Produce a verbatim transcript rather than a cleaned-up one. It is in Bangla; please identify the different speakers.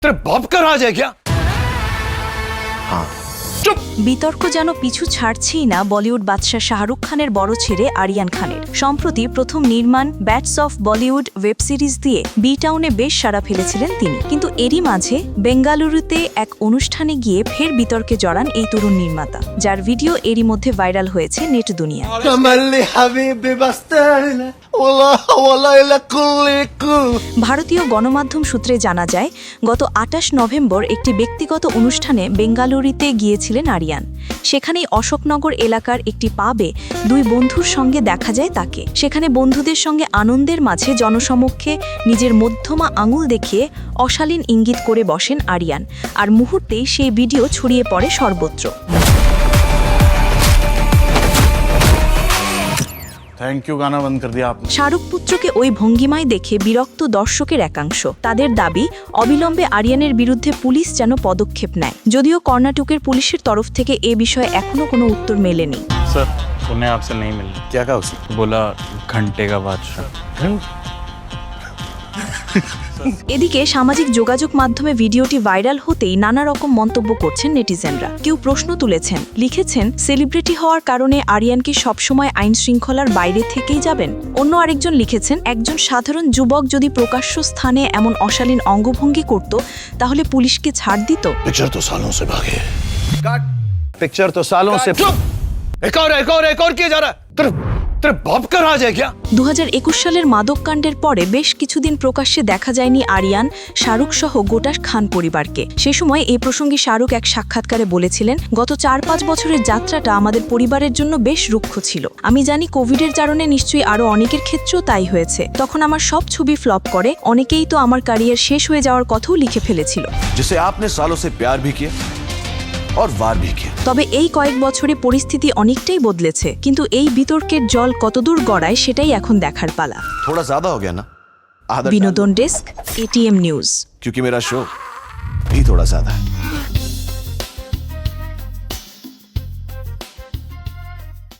Speaker 1: तेरे बाप का राज है क्या? हाँ चुप।
Speaker 2: বিতর্ক যেন পিছু ছাড়ছেই না বলিউড বাদশাহ শাহরুখ খানের বড় ছেলে আরিয়ান খানের। সম্প্রতি প্রথম নির্মাণ bats of Bollywood web series দিয়ে বি টাউনে বেশ সাড়া ফেলেছিলেন তিনি, কিন্তু এরই মাঝে বেঙ্গালুরুতে এক অনুষ্ঠানে গিয়ে ফের বিতর্কে জড়ান এই তরুণ নির্মাতা, যার ভিডিও এরই মধ্যে ভাইরাল হয়েছে নেট দুনিয়ায়। ভারতীয় গণমাধ্যম সূত্রে জানা যায়, গত আটাশ নভেম্বর একটি ব্যক্তিগত অনুষ্ঠানে বেঙ্গালুরুতে গিয়েছিলেন আরিয়ান। সেখানেই অশোকনগর এলাকার একটি পাবে দুই বন্ধুর সঙ্গে দেখা যায় তাকে। সেখানে বন্ধুদের সঙ্গে আনন্দের মাঝে জনসমক্ষে নিজের মধ্যমা আঙুল দেখিয়ে অশালীন ইঙ্গিত করে বসেন আরিয়ান, আর মুহূর্তেই সেই ভিডিও ছড়িয়ে পড়ে সর্বত্র।
Speaker 3: थैंक यू गाना बंद कर दिया आपने।
Speaker 2: শাহরুখ পুত্রকে ওই ভঙ্গিমায় দেখে বিরক্ত দর্শকের একাংশ। তাদের দাবি, অবিলম্বে আরিয়ানের বিরুদ্ধে পুলিশ যেন পদক্ষেপ নেয়। যদিও কর্ণাটকের পুলিশের তরফ থেকে এ বিষয়ে এখনো কোনো উত্তর মেলেনি।
Speaker 3: सर उन्हें आपसे नहीं मिलना।
Speaker 1: क्या कहा उसे?
Speaker 3: बोला घंटे का बादशाह।
Speaker 2: এদিকে সামাজিক যোগাযোগ মাধ্যমে ভিডিওটি ভাইরাল হতেই নানা রকম মন্তব্য করছেন নেটিজেনরা। কেউ প্রশ্ন তুলেছেন, লিখেছেন সেলিব্রিটি হওয়ার কারণে আরিয়ান কি সবসময় আইন শৃঙ্খলার বাইরে থেকেই যাবেন? অন্য আরেকজন লিখেছেন, একজন সাধারণ যুবক যদি প্রকাশ্য স্থানে এমন অশালীন অঙ্গভঙ্গি করত তাহলে পুলিশকে ছাড় দিত।
Speaker 1: पिक्चर तो सालों से भागे काट पिक्चर तो सालों से चुप। एक और एक और एक और किया जा रहा है। तेरे तेरे बाप का राज है क्या?
Speaker 2: দু হাজার একুশ সালের মাদককাণ্ডের পরে বেশ কিছুদিন প্রকাশ্যে দেখা যায়নি আরিয়ান, শাহরুখ সহ গোটা খান পরিবারকে। সে সময় এই প্রসঙ্গে শাহরুখ এক সাক্ষাৎকারে বলেছিলেন, গত চার পাঁচ বছরের যাত্রাটা আমাদের পরিবারের জন্য বেশ রুক্ষ ছিল। আমি জানি কোভিডের কারণে নিশ্চয়ই আরো অনেকের ক্ষেত্রেও তাই হয়েছে। তখন আমার সব ছবি ফ্লপ করে, অনেকেই তো আমার ক্যারিয়ার শেষ হয়ে যাওয়ার কথাও লিখে ফেলেছিল।
Speaker 4: जिसे आपने सालों से प्यार भी किया और वार भी किया।
Speaker 2: তবে এই কয়েক বছরে পরিস্থিতি অনেকটাই বদলেছে, কিন্তু এই বিতর্কের জল কতদূর গড়ায় সেটাই এখন দেখার পালা।
Speaker 4: थोड़ा ज्यादा हो गया ना? आधा
Speaker 2: বিনোদন ডেস্ক, এটিএম নিউজ।
Speaker 4: क्योंकि मेरा शो भी थोड़ा ज्यादा है।